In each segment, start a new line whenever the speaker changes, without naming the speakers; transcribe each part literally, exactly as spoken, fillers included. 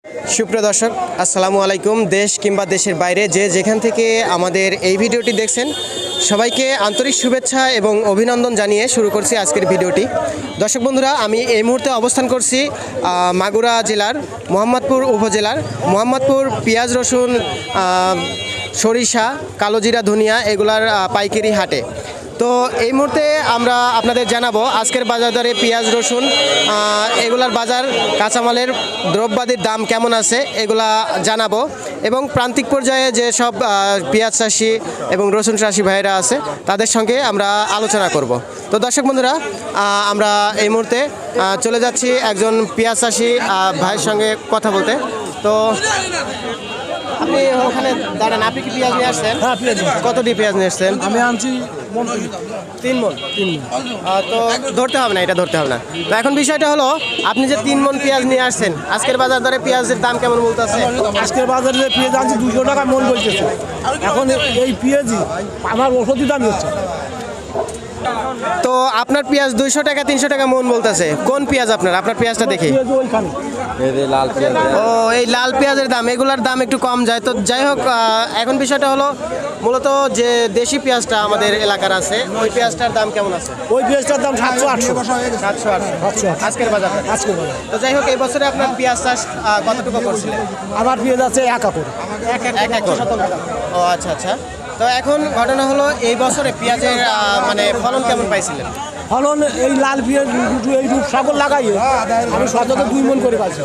সুপ্রিয় দর্শক, আসসালামু আলাইকুম। দেশ কিংবা দেশের বাইরে যে যেখান থেকে আমাদের এই ভিডিওটি দেখছেন, সবাইকে আন্তরিক শুভেচ্ছা এবং অভিনন্দন জানিয়ে শুরু করছি আজকের ভিডিওটি। দর্শক বন্ধুরা, আমি এই মুহূর্তে অবস্থান করছি মাগুরা জেলার মোহাম্মদপুর উপজেলার মোহাম্মদপুর পেঁয়াজ রসুন সরিষা কালোজিরা ধনিয়া এগুলার পাইকারি হাটে। তো এই মুহূর্তে আমরা আপনাদের জানাবো আজকের বাজার দরে পেঁয়াজ রসুন এগুলার বাজার, কাঁচামালের দ্রব্যাদির দাম কেমন আছে এগুলা জানাবো, এবং প্রান্তিক পর্যায়ে যে সব পেঁয়াজ চাষি এবং রসুন চাষি ভাইয়েরা আছে তাদের সঙ্গে আমরা আলোচনা করব। তো দর্শক বন্ধুরা, আমরা এই মুহূর্তে চলে যাচ্ছি একজন পেঁয়াজ চাষি ভাইয়ের সঙ্গে কথা বলতে। তো আপনি ওখানে দাঁড়ান, আপনি কি পেঁয়াজ নিয়ে আসছেন?
হ্যাঁ, পেঁয়াজ।
কতটি পেঁয়াজ নিয়ে আসছেন?
আমি আনছি
তিন মন। তিন তো ধরতে হবে না, এটা ধরতে হবে না। তো এখন বিষয়টা হলো, আপনি যে তিন মন পেঁয়াজ নিয়ে আসছেন, আজকের বাজার দরে পেঁয়াজের দাম কেমন বলতেছে?
আজকের বাজারে পেঁয়াজ আনছি দুশো টাকা মন বলতেছে। এখন এই পেঁয়াজই আমার ওষুধই দাম হচ্ছে।
তো আপনার পেঁয়াজ দুইশো টাকা তিনশো টাকা মন বলতেছে। কোন পেঁয়াজ আপনার? আপনার পেঁয়াজটা দেখি। ও, এই লাল পেঁয়াজের দাম, এগুলার দাম একটু কম যায়। তো যাই হোক, এখন বিষয়টা হলো মূলত যে দেশি পেঁয়াজটা আমাদের এলাকার আছে, ওই পেঁয়াজটার দাম কেমন আছে?
ওই পেঁয়াজটার দাম সাতশো আটশো
সাতশো আটশো আজকের বাজার।
আজকের বাজার।
তো যাই হোক, এই বছরে আপনার পেঁয়াজ চাষ কতটুকু করছিলেন?
আমার পেঁয়াজ আছে এক একর।
এক একর। ও আচ্ছা আচ্ছা। তো এখন ঘটনা হলো, এই বছরে পেঁয়াজের মানে ফলন কেমন পাইছিলেন?
ফলন এই লাল পেঁয়াজ এই রূপসাগর লাগাইয়ে আমি শতকে দুই মন করে পাইছি।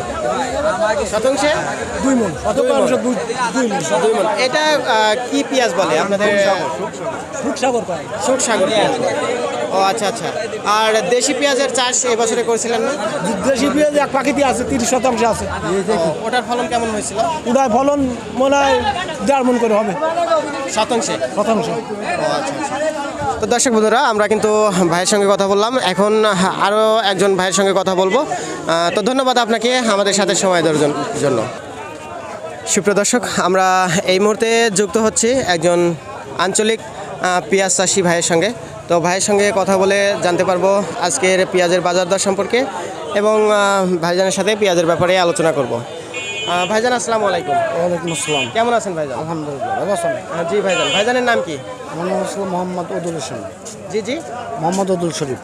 শতাংশে
দুই মন শতকাংশ দুই দুই মন
দুই মন। এটা কি পেঁয়াজ বলে আপনাদের?
রূপসাগর পাই।
সুখসাগর পেঁয়াজ। ও আচ্ছা আচ্ছা। আর দেশি পেঁয়াজের চাষ এবছরে করেছিলেন না?
দেশি পেঁয়াজ এক পাখিতে আছে, তিরিশ শতাংশ আছে।
ওটার ফলন কেমন হয়েছিল?
ওটার ফলন মনে হয় দেড় মন করে হবে
শতাংশে।
শতাংশ।
ও আচ্ছা আচ্ছা। তো দর্শক বন্ধুরা, আমরা কিন্তু ভাইয়ের সঙ্গে কথা বললাম, এখন আরও একজন ভাইয়ের সঙ্গে কথা বলবো। তো ধন্যবাদ আপনাকে আমাদের সাথে সময় দেওয়ার জন্য। সুপ্রিয় দর্শক, আমরা এই মুহূর্তে যুক্ত হচ্ছি একজন আঞ্চলিক পেঁয়াজ চাষি ভাইয়ের সঙ্গে। তো ভাইয়ের সঙ্গে কথা বলে জানতে পারবো আজকের পেঁয়াজের বাজার দর সম্পর্কে, এবং ভাইজানের সাথে পেঁয়াজের ব্যাপারে আলোচনা করব। ভাইজান, আসসালামু আলাইকুম।
ওয়ালাইকুম আসসালাম।
কেমন আছেন ভাইজান?
আলহামদুলিল্লাহ ভালো আছেন?
জি ভাইজান। ভাইজানের নাম কি?
আমার নাম আসলে মোহাম্মদ উদুল হোসেন।
জি জি,
মোহাম্মদ উদুল শরীফ।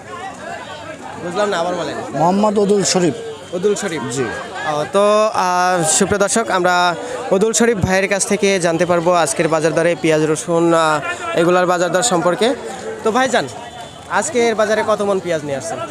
বুঝলাম না, আবার বলেন।
মোহাম্মদ উদুল শরীফ।
উদুল শরীফ,
জি।
তো সুপ্রিয় দর্শক, আমরা উদুল শরীফ ভাইয়ের কাছ থেকে জানতে পারবো আজকের বাজার দরে পেঁয়াজ রসুন এগুলার বাজার দর সম্পর্কে। তো ভাইজান, আজকের বাজারে কত মন পেঁয়াজ নিয়ে আসছেন?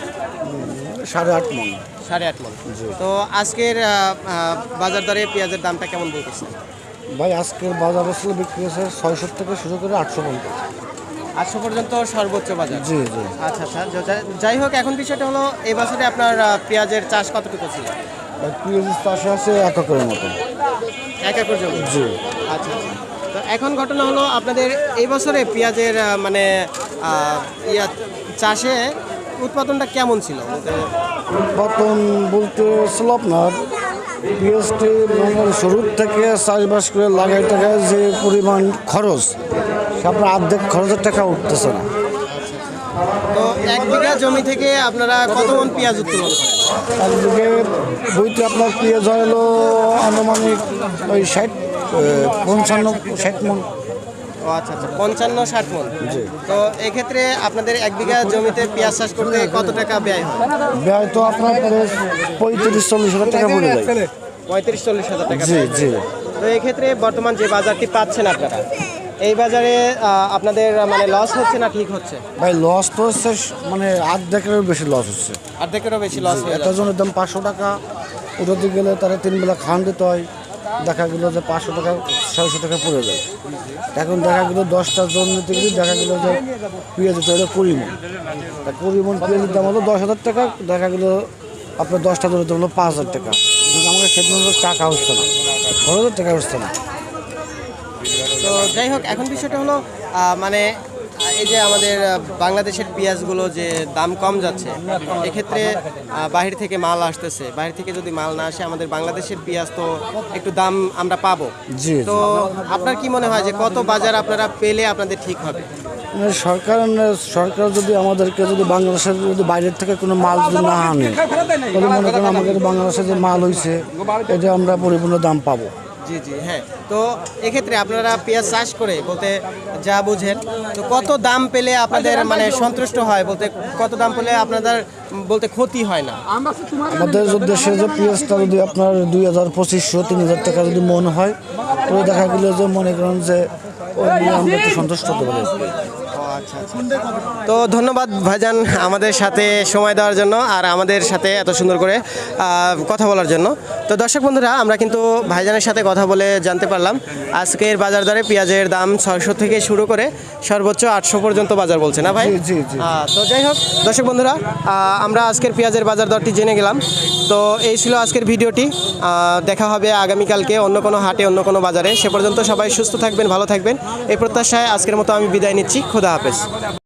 সাড়ে আট মন।
সাড়ে আট মন। তো আজকের বাজার দরে পেঁয়াজের দামটা কেমন বলতেছে?
ভাই আজকের বাজার আসলে বিক্রি হয়েছে ছয়শো থেকে শুরু করে আটশো পর্যন্ত।
আটশো পর্যন্ত সর্বোচ্চ বাজার।
জি জি।
আচ্ছা আচ্ছা। যাই হোক, এখন বিষয়টা হলো, এই বছরে আপনার পেঁয়াজের চাষ কতটুকু ছিল?
ভাই পেঁয়াজের চাষে আছে এক একরের মতো।
এক একর জমি?
জি।
আচ্ছা আচ্ছা। তো এখন ঘটনা হলো, আপনাদের এই বছরে পেঁয়াজের মানে ইয়া চাষে উৎপাদনটা কেমন ছিল?
উৎপাদন বলতে ছিল আপনার পেঁয়াজটি মানে শুরুর থেকে চাষবাস করে লাগাই টাকা যে পরিমাণ খরচ, সে আপনার অর্ধেক খরচের টাকা উঠতেছে না।
তো এক বিঘা জমি থেকে আপনারা কত মন পেঁয়াজ উৎপাদন করেন?
এক বিঘে বইতে আপনার পেঁয়াজ হলো আনুমানিক ওই ষাট পঞ্চান্ন ষাট মন।
ও আচ্ছা আচ্ছা, পঞ্চান্ন ষাট মন। তো এক্ষেত্রে আপনাদের এক বিঘা জমিতে পেঁয়াজ চাষ করতে কত টাকা ব্যয় হয়?
ব্যয় তো আপনার পঁয়ত্রিশ চল্লিশ হাজার টাকা পড়ে যায়।
পঁয়ত্রিশ চল্লিশ হাজার টাকা।
জি জি।
তো এক্ষেত্রে বর্তমান যে বাজারটি পাচ্ছেন আপনারা, এই বাজারে আপনাদের মানে লস হচ্ছে না ঠিক হচ্ছে?
ভাই লস তো হচ্ছে, মানে অর্ধেকেরও বেশি লস হচ্ছে।
অর্ধেকেরও বেশি লস।
একটা জনের দাম পাঁচশো টাকা, উঠাতে গেলে তারা তিন বেলা খাওয়ান দিতে হয়, দেখা গেলো যে পাঁচশো টাকা ছয়শো টাকা পড়ে যায়। এখন দেখা গেলো দশটা জন নিতে গেলে দেখা গেলো যে পেঁয়াজ হচ্ছে ওটা কুড়ি মন। তা কুড়ি মন পেঁয়াজের দাম হলো দশ হাজার টাকা, দেখা গেলো আপনার দশটা জনের দাম হলো পাঁচ হাজার টাকা। কিন্তু আমাকে সেদিন টাকা হচ্ছে না, ছ হাজার টাকা হচ্ছে না।
তো যাই হোক, এখন বিষয়টা হলো মানে এই যে আমাদের বাংলাদেশের পেঁয়াজগুলো যে দাম কম যাচ্ছে, এক্ষেত্রে বাহির থেকে মাল আসতেছে, বাহির থেকে যদি মাল না আসে আমাদের বাংলাদেশের পেঁয়াজ তো একটু দাম আমরা পাবো।
জি।
তো আপনার কি মনে হয় যে কত বাজার আপনারা পেলে আপনাদের ঠিক হবে?
মানে সরকার সরকার যদি আমাদেরকে যদি বাংলাদেশের যদি বাইরের থেকে কোনো মাল যদি না আনে তাহলে মনে করেন আমাদের বাংলাদেশে যে মাল হয়েছে এটা আমরা পরিপূর্ণ দাম পাবো।
জি জি হ্যাঁ, তো এক্ষেত্রে আপনারা পেঁয়াজ চাষ করে বলতে যা বুঝেন, তো কত দাম পেলে আপনাদের মানে সন্তুষ্ট হয়, বলতে কত দাম পেলে আপনাদের বলতে ক্ষতি হয় না?
আমাদের যদি দেশে যে পেঁয়াজটা যদি আপনার দুই হাজার পঁচিশশো তিন হাজার টাকা যদি মন হয় তাহলে দেখা গেলো যে মনে করেন যে ওই নিয়ে আমরা একটু সন্তুষ্ট হতে পারি।
তো ধন্যবাদ ভাইজান আমাদের সাথে সময় দেওয়ার জন্য আর আমাদের সাথে এত সুন্দর করে আহ, কথা বলার জন্য। তো দর্শক বন্ধুরা, আমরা কিন্তু ভাইজানের সাথে কথা বলে জানতে পারলাম আজকের বাজার দরে পেঁয়াজের দাম ছয়শো থেকে শুরু করে সর্বোচ্চ আটশো পর্যন্ত বাজার বলছে না ভাই?
জি, জি, জি।
আহ, তো যাই হোক দর্শক বন্ধুরা, আহ, আমরা আজকের পেঁয়াজের বাজার দরটি জেনে গেলাম। তো এই ছিল আজকের ভিডিওটি। আহ, দেখা হবে আগামীকালকে অন্য কোনো হাটে অন্য কোনো বাজারে। সে পর্যন্ত সবাই সুস্থ থাকবেন, ভালো থাকবেন এই প্রত্যাশায় আজকের মতো আমি বিদায় নিচ্ছি। খোদা হাফেজ।